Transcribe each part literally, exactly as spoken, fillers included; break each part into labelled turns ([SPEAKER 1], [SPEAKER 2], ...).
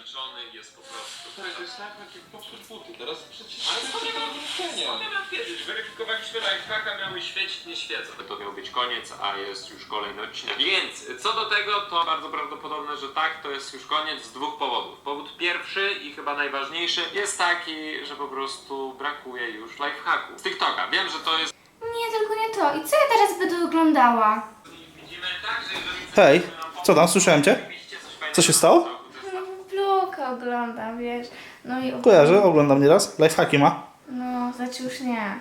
[SPEAKER 1] zmęczony, jest po prostu.
[SPEAKER 2] Tak, to jest lifehack jak popsuć buty, teraz przecież...
[SPEAKER 1] Ale skąd ja mam skąd ja mam wiedzieć? Weryfikowaliśmy lifehacka, miały świecić, nie świecą. To miał być koniec, a jest już kolejny odcinek. Więc co do tego, to bardzo prawdopodobne, że tak, to jest już koniec z dwóch powodów. Powód pierwszy i chyba najważniejszy jest taki, że po prostu brakuje już lifehacku z TikToka. Wiem, że to jest...
[SPEAKER 3] Nie, tylko nie to. I co ja teraz będę oglądała?
[SPEAKER 1] Widzimy tak, że jeżeli...
[SPEAKER 4] Hej, co tam, słyszałem cię? Co się stało?
[SPEAKER 3] No, bloka oglądam, wiesz. No i...
[SPEAKER 4] Kojarzę, oglądam nieraz. Lifehacki ma?
[SPEAKER 3] No, znaczy już nie.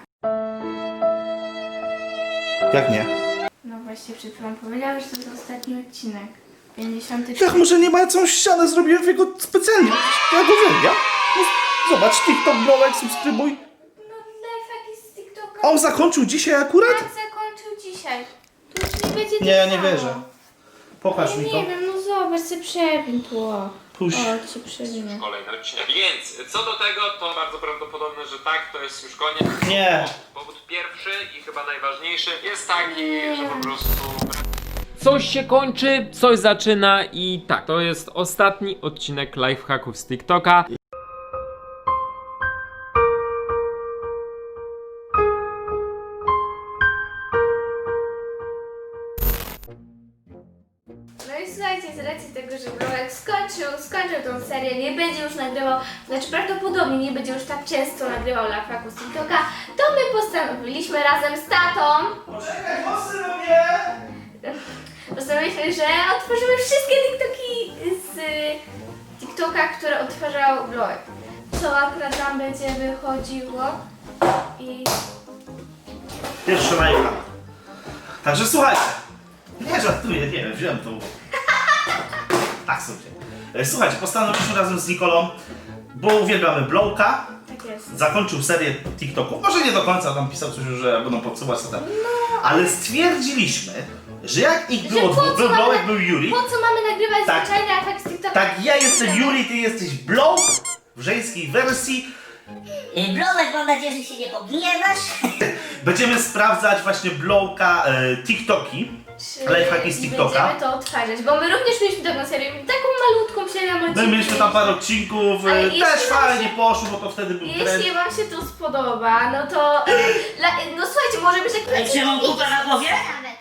[SPEAKER 4] Jak nie?
[SPEAKER 3] No właśnie przed chwilą powiedziałeś, że to jest ostatni odcinek. pięćdziesiąty
[SPEAKER 4] Jak może nie ma całą ścianę, zrobiłem jego specjalnie. Ja go uwielbiam. No, zobacz, TikTok, blowek, subskrybuj.
[SPEAKER 3] No, lifehacki z TikToka.
[SPEAKER 4] A on zakończył dzisiaj akurat?
[SPEAKER 3] Tak zakończył dzisiaj. To już nie będzie
[SPEAKER 4] Nie,
[SPEAKER 3] tak
[SPEAKER 4] nie
[SPEAKER 3] samo.
[SPEAKER 4] wierzę. Pokaż
[SPEAKER 3] Ja
[SPEAKER 4] mi
[SPEAKER 3] nie
[SPEAKER 4] to.
[SPEAKER 3] wiem, no zobacz, se przebiń tło.
[SPEAKER 4] Puść.
[SPEAKER 3] O, ci przewinę.
[SPEAKER 1] Kolejny odcinek. Więc co do tego, to bardzo prawdopodobne, że tak, to jest już koniec.
[SPEAKER 4] Nie.
[SPEAKER 1] Powód pierwszy i chyba najważniejszy jest taki, że po prostu...
[SPEAKER 5] Coś się kończy, coś zaczyna i tak, to jest ostatni odcinek lifehacków z TikToka.
[SPEAKER 3] No i słuchajcie, z racji tego, że Brolek skończył, skończył tą serię, nie będzie już nagrywał, znaczy prawdopodobnie nie będzie już tak często nagrywał lifehacków z TikToka, to my postanowiliśmy razem z tatą,
[SPEAKER 4] Poczekaj, mocny robię!
[SPEAKER 3] postanowiliśmy, że otworzymy wszystkie TikToki z y, TikToka, które odtwarzał Brolek. Co akurat nam będzie wychodziło i...
[SPEAKER 4] Pierwszy lifehack. Także słuchajcie. Nie żartuję, nie wiem, wziąłem to. Tak sobie. E, Słuchajcie, postanowiliśmy razem z Nikolą, bo uwielbiamy Blowka.
[SPEAKER 3] Tak jest.
[SPEAKER 4] Zakończył serię TikToków. Może nie do końca, tam pisał coś, że będą podsuwać co tam. Ale stwierdziliśmy, że jak ich było
[SPEAKER 3] Że po
[SPEAKER 4] dwóch,
[SPEAKER 3] co
[SPEAKER 4] był
[SPEAKER 3] mamy-
[SPEAKER 4] Blowek, był Yuri.
[SPEAKER 3] Po co mamy nagrywać
[SPEAKER 4] Tak.
[SPEAKER 3] zwyczajny efekt z TikToka?
[SPEAKER 4] Tak, ja jestem Yuri, ty jesteś Blow w żeńskiej wersji.
[SPEAKER 6] Blowek, mam nadzieję, że się nie pogniewasz.
[SPEAKER 4] Będziemy sprawdzać właśnie Blowka e, TikToki.
[SPEAKER 3] Czy
[SPEAKER 4] Lifehacki z TikToka.
[SPEAKER 3] będziemy to odtwarzać, bo my również mieliśmy taką serię, taką malutką serię
[SPEAKER 4] No i
[SPEAKER 3] odcinki.
[SPEAKER 4] mieliśmy tam parę odcinków, e,
[SPEAKER 3] Ale
[SPEAKER 4] też
[SPEAKER 3] jeśli wam
[SPEAKER 4] fajnie
[SPEAKER 3] się-
[SPEAKER 4] poszło, bo to wtedy był trend.
[SPEAKER 3] Jeśli wam się to spodoba, no to... e, La, no słuchajcie, może być
[SPEAKER 6] Ale
[SPEAKER 3] jakiś...
[SPEAKER 6] czy mam kupę na głowie?
[SPEAKER 3] Nawet.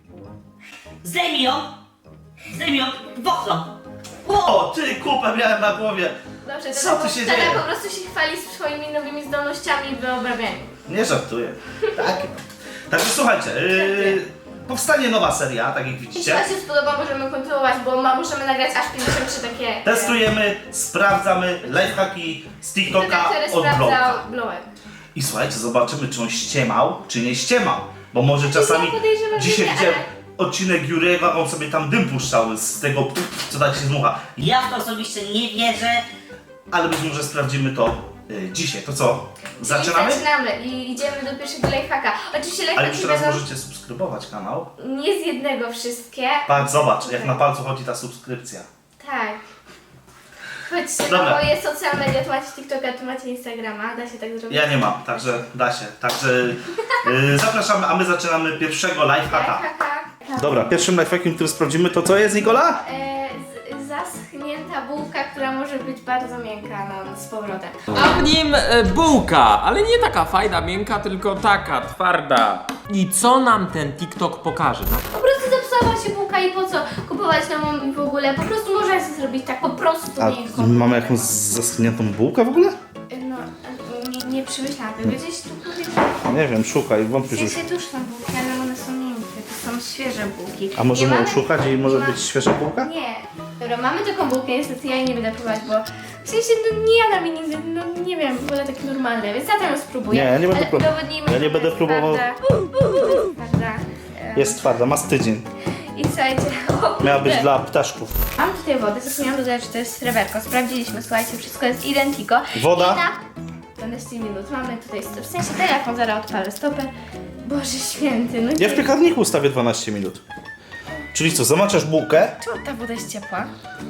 [SPEAKER 6] Zdejmij ją. Zdejmij ją w okno.
[SPEAKER 4] O, ty kupę miałem na głowie.
[SPEAKER 3] Dobrze, to
[SPEAKER 4] Co
[SPEAKER 3] tak-
[SPEAKER 4] tu się
[SPEAKER 3] Tata
[SPEAKER 4] dzieje?
[SPEAKER 3] po prostu się chwali swoimi nowymi zdolnościami w wyobrabianiu.
[SPEAKER 4] Nie żartuję. Tak. Także słuchajcie, yy, powstanie nowa seria, tak jak
[SPEAKER 3] Jeśli
[SPEAKER 4] widzicie.
[SPEAKER 3] wam się spodoba, możemy kontynuować, bo ma, możemy nagrać aż pięćdziesiąt trzy takie...
[SPEAKER 4] Testujemy, sprawdzamy lifehacki z TikToka
[SPEAKER 3] TikToka, który
[SPEAKER 4] od Blowka.
[SPEAKER 3] sprawdzał Blowek.
[SPEAKER 4] I słuchajcie, zobaczymy, czy on ściemał, czy nie ściemał. Bo może czasami,
[SPEAKER 3] ja podejrzewam, że
[SPEAKER 4] dzisiaj
[SPEAKER 3] nie,
[SPEAKER 4] widziałem
[SPEAKER 3] ale-
[SPEAKER 4] odcinek Jurego, on sobie tam dym puszczał z tego, co tak się zmucha.
[SPEAKER 6] Ja w to osobiście nie wierzę.
[SPEAKER 4] Ale być może sprawdzimy to y, dzisiaj. To co? Zaczynamy?
[SPEAKER 3] I zaczynamy i idziemy do pierwszego lifehacka. Oczywiście
[SPEAKER 4] Ale
[SPEAKER 3] lifehacki
[SPEAKER 4] już teraz
[SPEAKER 3] będą
[SPEAKER 4] możecie subskrybować kanał.
[SPEAKER 3] nie z jednego wszystkie.
[SPEAKER 4] Patrz, zobacz, jak na palcu chodzi ta subskrypcja.
[SPEAKER 3] Tak. Chodźcie,
[SPEAKER 4] Dobra.
[SPEAKER 3] no bo jest social media, tu macie TikToka, tu macie Instagrama, da się tak zrobić.
[SPEAKER 4] Ja nie mam, także da się. Także y, zapraszamy, a my zaczynamy pierwszego lifehacka.
[SPEAKER 3] Lifehacka.
[SPEAKER 4] Dobra, pierwszym lifehackiem, który sprawdzimy, to co jest, Nikola?
[SPEAKER 3] E, z, zaschnięta bułka, która może być bardzo miękka no, z powrotem.
[SPEAKER 5] A w nim e, bułka, ale nie taka fajna, miękka, tylko taka, twarda. I co nam ten TikTok pokaże? No?
[SPEAKER 3] Po prostu zepsuła się bułka i po co kupować nową i w ogóle, po prostu można sobie zrobić tak po prostu
[SPEAKER 4] A
[SPEAKER 3] miękką.
[SPEAKER 4] mamy jakąś zaschniętą bułkę w ogóle?
[SPEAKER 3] No, nie, nie przemyślałam tego, gdzieś tu powiedzieć.
[SPEAKER 4] Nie wiem, szukaj,
[SPEAKER 3] W
[SPEAKER 4] wątpię, że...
[SPEAKER 3] sensie tuż są bułki, ale one są miękkie, to są świeże bułki.
[SPEAKER 4] A możemy
[SPEAKER 3] Nie mamy-
[SPEAKER 4] oszukać i może
[SPEAKER 3] ma-
[SPEAKER 4] być świeża bułka?
[SPEAKER 3] Nie. Dobra, mamy taką bułkę, niestety ja jej nie będę próbować, bo w sensie no nie jadam jej nigdy, no nie wiem, wolę takie normalne, więc ja tam ją spróbuję.
[SPEAKER 4] Nie, ja nie będę
[SPEAKER 3] Ale
[SPEAKER 4] próbował.
[SPEAKER 3] udowodnijmy,
[SPEAKER 4] Ja nie
[SPEAKER 3] że
[SPEAKER 4] będę
[SPEAKER 3] jest
[SPEAKER 4] próbował.
[SPEAKER 3] Twarda. Twarda. E,
[SPEAKER 4] Jest twarda, ma z tydzień.
[SPEAKER 3] I słuchajcie, o,
[SPEAKER 4] Miała być
[SPEAKER 3] kurde.
[SPEAKER 4] dla ptaszków.
[SPEAKER 3] Mam tutaj wodę, zapomniałam dodać, że to jest sreberko. Sprawdziliśmy, słuchajcie, wszystko jest identico.
[SPEAKER 4] Woda?
[SPEAKER 3] I na dwanaście minut mamy tutaj, w sensie telefon, zaraz odpalę stopę. Boże święty, no
[SPEAKER 4] Ja w piekarniku ustawię dwanaście minut. Czyli co, zamaczasz bułkę?
[SPEAKER 3] Czemu ta woda jest ciepła?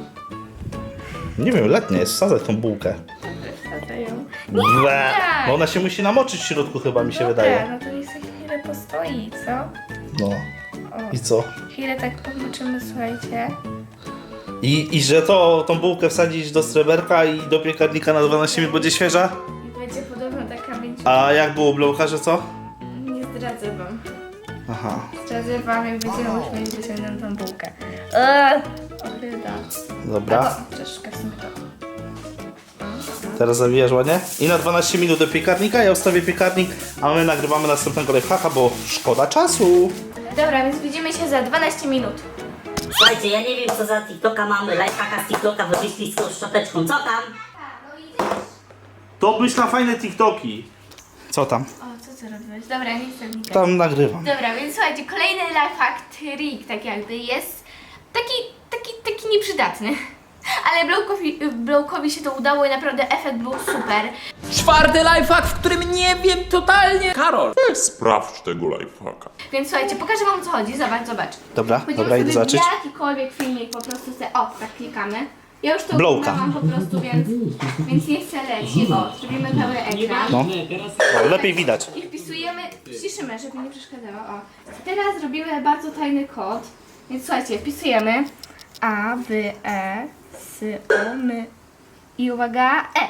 [SPEAKER 4] Nie wiem, letnia jest, wsadzaj tą bułkę.
[SPEAKER 3] Wsadzę ją.
[SPEAKER 4] Ble,
[SPEAKER 3] tak.
[SPEAKER 4] bo ona się musi namoczyć w środku chyba, mi się
[SPEAKER 3] Dobra,
[SPEAKER 4] wydaje.
[SPEAKER 3] no to niech sobie chwilę postoi, co?
[SPEAKER 4] No.
[SPEAKER 3] O,
[SPEAKER 4] I co?
[SPEAKER 3] chwilę tak pomoczymy, słuchajcie.
[SPEAKER 4] I, I że to, tą bułkę wsadzić do sreberka i do piekarnika na dwanaście minut będzie świeża?
[SPEAKER 3] I będzie podobno taka będzie.
[SPEAKER 4] A jak było blowka, że co?
[SPEAKER 3] Nie zdradzę wam.
[SPEAKER 4] Aha.
[SPEAKER 3] Zdradzę wam, jak będziemy musieli wyciągnąć tą bułkę. Eee, Ochryda.
[SPEAKER 4] Dobra.
[SPEAKER 3] O, troszkę w sumie to.
[SPEAKER 4] Teraz zawijasz ładnie. I na dwanaście minut do piekarnika. Ja ustawię piekarnik, a my nagrywamy następnego lifehacka, bo szkoda czasu.
[SPEAKER 3] Dobra, więc widzimy się za dwanaście minut.
[SPEAKER 6] Słuchajcie, ja nie wiem co za TikToka mamy, lifehacka z TikToka wyszli z tą szczoteczką, co tam?
[SPEAKER 3] no idziesz.
[SPEAKER 4] To byś na fajne TikToki. Co tam?
[SPEAKER 3] O, co ty robisz? Dobra, nie chcę wnikać.
[SPEAKER 4] Tam nagrywam.
[SPEAKER 3] Dobra, więc słuchajcie, kolejny lifehack, trik tak jakby jest taki, taki, taki nieprzydatny. Ale Blowkowi, Blowkowi się to udało i naprawdę efekt był super.
[SPEAKER 5] Czwarty lifehack, w którym nie wiem totalnie. Karol.
[SPEAKER 7] Sprawdź tego lifehacka.
[SPEAKER 3] Więc słuchajcie, pokażę wam o co chodzi. Zobacz, zobacz.
[SPEAKER 4] Dobra,
[SPEAKER 3] Wchodzimy
[SPEAKER 4] dobra, idę
[SPEAKER 3] sobie
[SPEAKER 4] zobaczyć.
[SPEAKER 3] w jakikolwiek filmik, po prostu se, o, tak klikamy. Ja już to
[SPEAKER 4] Blowka.
[SPEAKER 3] mam po prostu, więc, więc nie chcę leci. O, zrobimy cały ekran.
[SPEAKER 4] No. O, lepiej widać.
[SPEAKER 3] I wpisujemy, ściszymy, żeby nie przeszkadzało. O. Teraz robimy bardzo tajny kod. Więc słuchajcie, wpisujemy A, B, E, S, O, M i uwaga, E.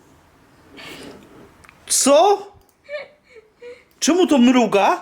[SPEAKER 4] Co? Czemu to mruga?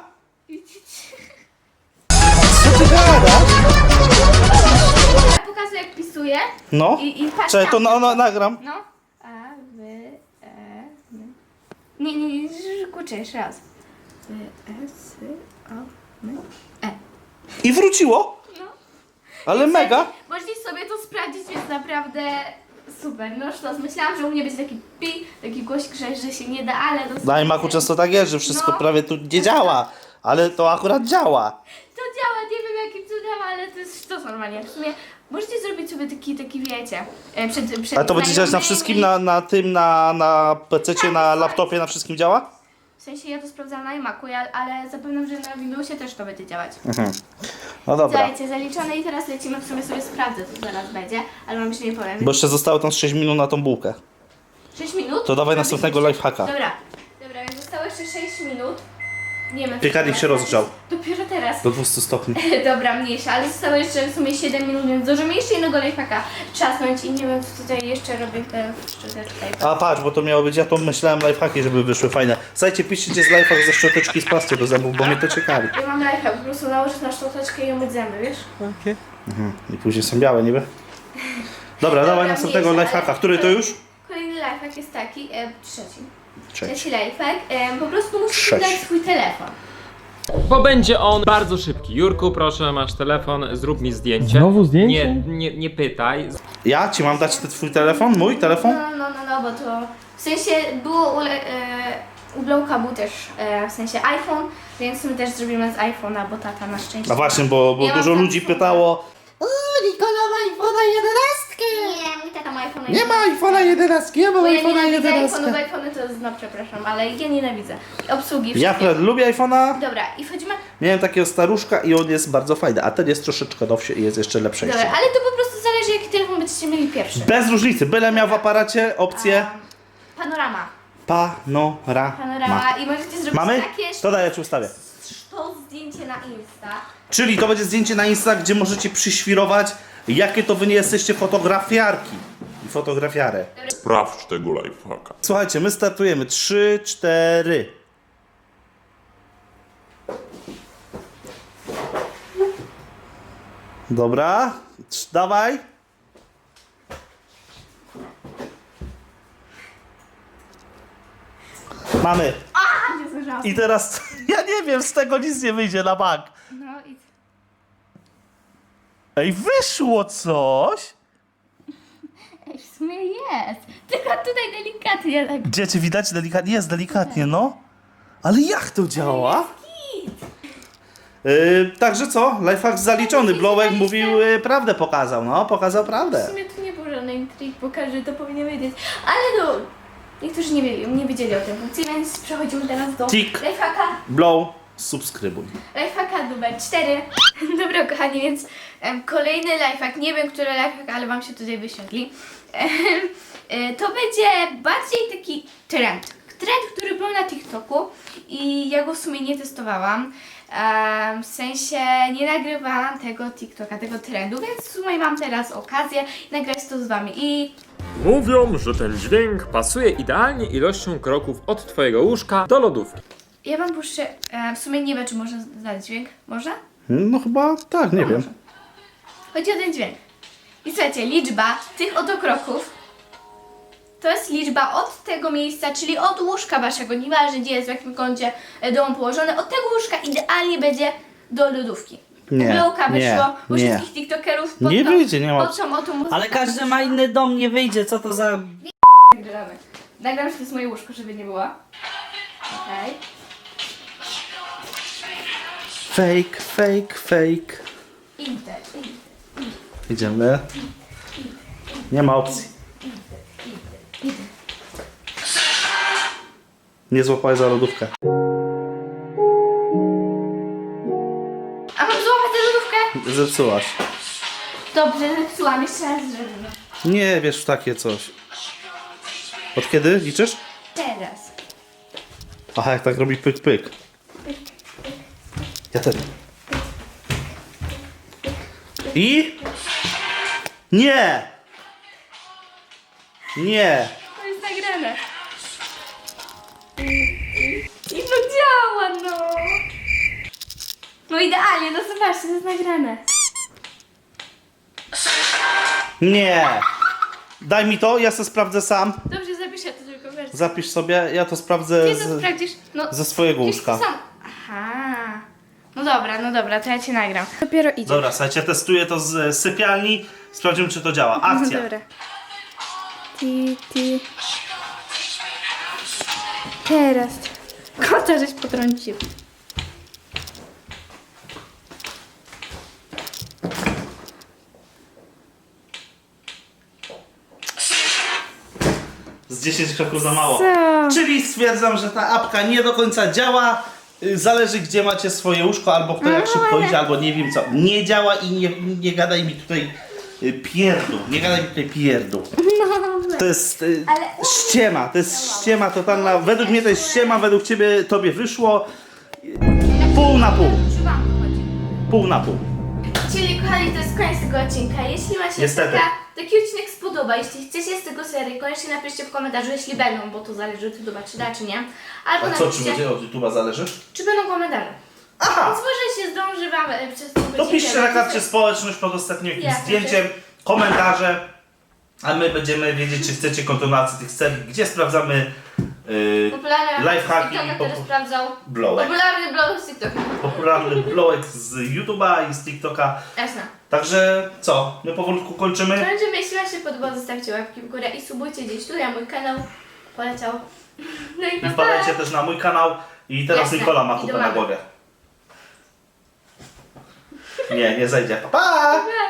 [SPEAKER 4] Co ty gadasz?
[SPEAKER 3] Ja pokazuję jak wpisuję
[SPEAKER 4] No.
[SPEAKER 3] i, i patrz
[SPEAKER 4] Czekaj, to
[SPEAKER 3] tam.
[SPEAKER 4] na, na, nagram.
[SPEAKER 3] No. A, B, E, M. Nie, nie, nie, kurczę, jeszcze raz. B, E, S, O, M, E.
[SPEAKER 4] I wróciło.
[SPEAKER 3] No.
[SPEAKER 4] Ale mega.
[SPEAKER 3] Możecie sobie to sprawdzić, jest naprawdę super. No sztos, myślałam, że u mnie będzie taki pi, taki głośnik, że, że się nie da, ale to
[SPEAKER 4] Na iMacu często tak jest, że wszystko
[SPEAKER 3] No.
[SPEAKER 4] prawie tu nie działa. Ale to akurat działa.
[SPEAKER 3] To działa, nie wiem jakim cudem, ale to jest sztos normalnie. W sumie możecie zrobić sobie taki, taki wiecie, e, przed, przed
[SPEAKER 4] Ale to będzie działać na
[SPEAKER 3] znajomymi.
[SPEAKER 4] wszystkim, na, na tym, na, na pececie, na laptopie, na wszystkim działa?
[SPEAKER 3] W sensie ja to sprawdzałam na iMacu, ja, ale zapewne, że na Windowsie też to będzie działać.
[SPEAKER 4] Mhm. No dobra.
[SPEAKER 3] Słuchajcie, zaliczone i teraz lecimy, w sumie sobie sprawdzę, co zaraz będzie, ale wam jeszcze nie powiem.
[SPEAKER 4] Bo jeszcze zostało tam z sześć minut na tą bułkę.
[SPEAKER 3] sześć minut?
[SPEAKER 4] To dawaj
[SPEAKER 3] Mamy
[SPEAKER 4] następnego
[SPEAKER 3] jeszcze-
[SPEAKER 4] lifehacka.
[SPEAKER 3] Dobra, dobra, więc zostało jeszcze sześć minut. Nie wiem.
[SPEAKER 4] Piekarnik się rozgrzał.
[SPEAKER 3] Dopiero teraz.
[SPEAKER 4] Do dwieście stopni.
[SPEAKER 3] Dobra, mniejsza, ale zostało jeszcze w sumie siedem minut, więc zdążymy jeszcze jednego lifehacka trzasnąć i nie wiem, co tutaj jeszcze robię te szczoteczkę.
[SPEAKER 4] A patrz, bo to miało być, ja to myślałem lifehacki, żeby wyszły fajne. Słuchajcie, piszcie, gdzie jest lifehack ze szczoteczki z pasty do zębów, bo mnie to ciekawi.
[SPEAKER 3] Ja mam lifehack, po prostu nałożyć na szczoteczkę i umyć zęby, wiesz?
[SPEAKER 4] Mhm. I później są białe niby. Dobra, dawaj następnego
[SPEAKER 3] mniejsza,
[SPEAKER 4] lifehacka.
[SPEAKER 3] ale-
[SPEAKER 4] Który to już?
[SPEAKER 3] Kolejny lifehack jest taki, e, trzeci.
[SPEAKER 4] Trzeci.
[SPEAKER 3] Trzeci lifehack, e, po prostu musisz
[SPEAKER 4] Trzeci.
[SPEAKER 3] dać swój telefon.
[SPEAKER 5] Bo będzie on bardzo szybki. Jurku, proszę, masz telefon, zrób mi zdjęcie.
[SPEAKER 8] Znowu zdjęcie?
[SPEAKER 5] Nie, nie, nie pytaj.
[SPEAKER 4] Ja ci mam dać ten twój telefon? Mój telefon?
[SPEAKER 3] No, no, no, no, bo to w sensie było u, e, u Blowka był też e, w sensie iPhone, więc my też zrobimy z iPhone'a, bo tata na szczęście.
[SPEAKER 4] No właśnie, bo, bo
[SPEAKER 3] Ja mam
[SPEAKER 4] dużo
[SPEAKER 3] tam
[SPEAKER 4] ludzi
[SPEAKER 3] iPhone'a.
[SPEAKER 4] pytało.
[SPEAKER 3] Nie, mój tata ma iPhone'a.
[SPEAKER 4] Nie ma iPhone'a jedenastki, ja mam
[SPEAKER 3] Bo ja
[SPEAKER 4] iPhone'a
[SPEAKER 3] nienawidzę
[SPEAKER 4] jedenastkę.
[SPEAKER 3] iPhone'u, bo iPhone'y to jest, no przepraszam, ale ja nienawidzę. I obsługi
[SPEAKER 4] Ja
[SPEAKER 3] wszystkie.
[SPEAKER 4] akurat lubię iPhone'a.
[SPEAKER 3] Dobra, i wchodzimy.
[SPEAKER 4] Miałem takiego staruszka i on jest bardzo fajny, a ten jest troszeczkę nowszy i jest jeszcze lepszy.
[SPEAKER 3] Dobra, ale to po prostu zależy, jaki telefon będziecie mieli pierwszy.
[SPEAKER 4] Bez różnicy, byle miał w aparacie opcję
[SPEAKER 3] A, panorama.
[SPEAKER 4] panorama.
[SPEAKER 3] Panorama i możecie zrobić
[SPEAKER 4] Mamy?
[SPEAKER 3] takie
[SPEAKER 4] To daj, ja ci ustawię.
[SPEAKER 3] to zdjęcie na Insta.
[SPEAKER 4] Czyli to będzie zdjęcie na Insta, gdzie możecie przyświrować, jakie to wy nie jesteście fotografiarki i fotografiarę.
[SPEAKER 7] Sprawdź tego lifehacka.
[SPEAKER 4] Słuchajcie, my startujemy. Trzy, cztery. Dobra, Trz- dawaj. Mamy.
[SPEAKER 3] A, nie zdążyłam.
[SPEAKER 4] I teraz, ja nie wiem, z tego nic nie wyjdzie na bank.
[SPEAKER 3] No i
[SPEAKER 4] Ej, wyszło coś.
[SPEAKER 3] Ej, w sumie jest. Tylko tutaj delikatnie tak.
[SPEAKER 4] Gdzie cię widać delikatnie? Jest delikatnie, no. Ale jak to działa? Yy, także co? Lifehack zaliczony. Blowek mówił, yy, prawdę pokazał, no, pokazał
[SPEAKER 3] W
[SPEAKER 4] prawdę.
[SPEAKER 3] sumie to nie był żadny intryg, bo każdy to powinien wiedzieć. Ale no, niektórzy nie wiedzieli, nie wiedzieli o tym funkcji, więc przechodzimy teraz do
[SPEAKER 4] Tik.
[SPEAKER 3] lifehacka.
[SPEAKER 4] Blow, subskrybuj.
[SPEAKER 3] Lifehacka numer cztery. Dobra kochani, więc em, kolejny lifehack, nie wiem który lifehack, ale wam się tutaj wyświetli. Em, e, to będzie bardziej taki trend, trend, który był na TikToku i ja go w sumie nie testowałam. Em, w sensie nie nagrywałam tego TikToka, tego trendu, więc w sumie mam teraz okazję nagrać to z wami i
[SPEAKER 5] Mówią, że ten dźwięk pasuje idealnie ilością kroków od twojego łóżka do lodówki.
[SPEAKER 3] ja wam puszczę, em, w sumie nie wiem czy można znaleźć dźwięk, można?
[SPEAKER 4] No chyba tak, nie wiem.
[SPEAKER 3] Chodzi o ten dźwięk. I słuchajcie, liczba tych oto kroków to jest liczba od tego miejsca, czyli od łóżka waszego, nieważne gdzie jest, w jakim kącie e, domu położone, od tego łóżka idealnie będzie do lodówki.
[SPEAKER 4] Nie,
[SPEAKER 3] Blowka
[SPEAKER 4] nie,
[SPEAKER 3] wyszło u
[SPEAKER 4] nie.
[SPEAKER 3] wszystkich tiktokerów pod
[SPEAKER 4] Nie
[SPEAKER 3] tą,
[SPEAKER 4] wyjdzie, nie ma-
[SPEAKER 3] pod tą oto muzykę.
[SPEAKER 6] Ale każdy ma inny dom, nie wyjdzie, co to za...
[SPEAKER 3] Nagramy. Nagram, że to jest moje łóżko, żeby nie było. Okej.
[SPEAKER 4] Fake, fake, fake.
[SPEAKER 3] Inter, inter.
[SPEAKER 4] Idziemy. Nie ma opcji. Nie złapałeś za lodówkę.
[SPEAKER 3] A mam złapać tę lodówkę?
[SPEAKER 4] Zepsułaś.
[SPEAKER 3] Dobrze, zepsułam, jeszcze raz zrobimy.
[SPEAKER 4] Nie wiesz w takie coś. Od kiedy liczysz?
[SPEAKER 3] Teraz.
[SPEAKER 4] Aha, jak tak robi pyk, pyk. Ja też. I? Nie! Nie!
[SPEAKER 3] To jest nagrane. I to działa, no. No idealnie, no zobaczcie, to jest nagrane.
[SPEAKER 4] Nie! Daj mi to, ja to sprawdzę sam.
[SPEAKER 3] Dobrze, zapiszę to tylko wersję.
[SPEAKER 4] Zapisz sobie, ja to sprawdzę
[SPEAKER 3] Ty to
[SPEAKER 4] z,
[SPEAKER 3] sprawdzisz? No,
[SPEAKER 4] ze swojego
[SPEAKER 3] wiesz,
[SPEAKER 4] łóżka.
[SPEAKER 3] sam. Aha. No dobra, no dobra, to ja cię nagram. Dopiero idzie.
[SPEAKER 4] Dobra, słuchajcie, testuję to z sypialni. Sprawdzimy, czy to działa. Akcja.
[SPEAKER 3] No dobra. Ti, ti. Teraz. Kota żeś potrącił.
[SPEAKER 4] Z dziesięć kroków za mało.
[SPEAKER 3] Co?
[SPEAKER 4] Czyli stwierdzam, że ta apka nie do końca działa. Y, Zależy, gdzie macie swoje łóżko, albo kto jak
[SPEAKER 3] No,
[SPEAKER 4] szybko
[SPEAKER 3] ale-
[SPEAKER 4] idzie, albo nie wiem co. Nie działa i nie, nie gadaj mi tutaj y, pierdół. Nie gadaj mi tutaj pierdół. To jest y,
[SPEAKER 3] Ale-
[SPEAKER 4] ściema, to jest ściema totalna. Według mnie to jest ściema, według ciebie tobie wyszło y, pół na pół.
[SPEAKER 3] Czy wam to chodzi?
[SPEAKER 4] Pół na pół.
[SPEAKER 3] Czyli kochani, to jest koniec tego odcinka. Jeśli Wam się
[SPEAKER 4] Niestety.
[SPEAKER 3] taka, taki odcinek spodoba, jeśli chcecie z tego serii, koniecznie napiszcie w komentarzu, jeśli będą, bo to zależy od YouTube'a, czy da, czy nie. Albo
[SPEAKER 4] A co, czy
[SPEAKER 3] napiszcie,
[SPEAKER 4] będzie od YouTube'a zależy?
[SPEAKER 3] czy będą komentarze.
[SPEAKER 4] Aha!
[SPEAKER 3] Więc może się zdąży Wam e, przez tą
[SPEAKER 4] To
[SPEAKER 3] godzinkę
[SPEAKER 4] piszcie na karcie
[SPEAKER 3] napisać.
[SPEAKER 4] społeczność pod ostatnim jakimś
[SPEAKER 3] Jasne.
[SPEAKER 4] zdjęciem, komentarze, a my będziemy wiedzieć, czy chcecie kontynuacji tych serii, gdzie sprawdzamy yy,
[SPEAKER 3] Popularny
[SPEAKER 4] lifehacki
[SPEAKER 3] TikToka,
[SPEAKER 4] i
[SPEAKER 3] który
[SPEAKER 4] popu-
[SPEAKER 3] sprawdzał.
[SPEAKER 4] blowek.
[SPEAKER 3] Popularny blog z TikToka.
[SPEAKER 4] Popularny blowek z YouTube'a i z TikToka.
[SPEAKER 3] Jasne.
[SPEAKER 4] Także co, my powolutku kończymy.
[SPEAKER 3] Kończymy, jeśli Wam się podoba, zostawcie łapki w górę i subujcie gdzieś tu, ja mój kanał poleciał. No i
[SPEAKER 4] I
[SPEAKER 3] pa,
[SPEAKER 4] wpadajcie
[SPEAKER 3] pa.
[SPEAKER 4] też na mój kanał i teraz
[SPEAKER 3] Jasne.
[SPEAKER 4] Nikola ma
[SPEAKER 3] I do
[SPEAKER 4] kupę na
[SPEAKER 3] mamy.
[SPEAKER 4] głowie. Nie, nie zejdzie. Pa! pa!
[SPEAKER 3] Pa.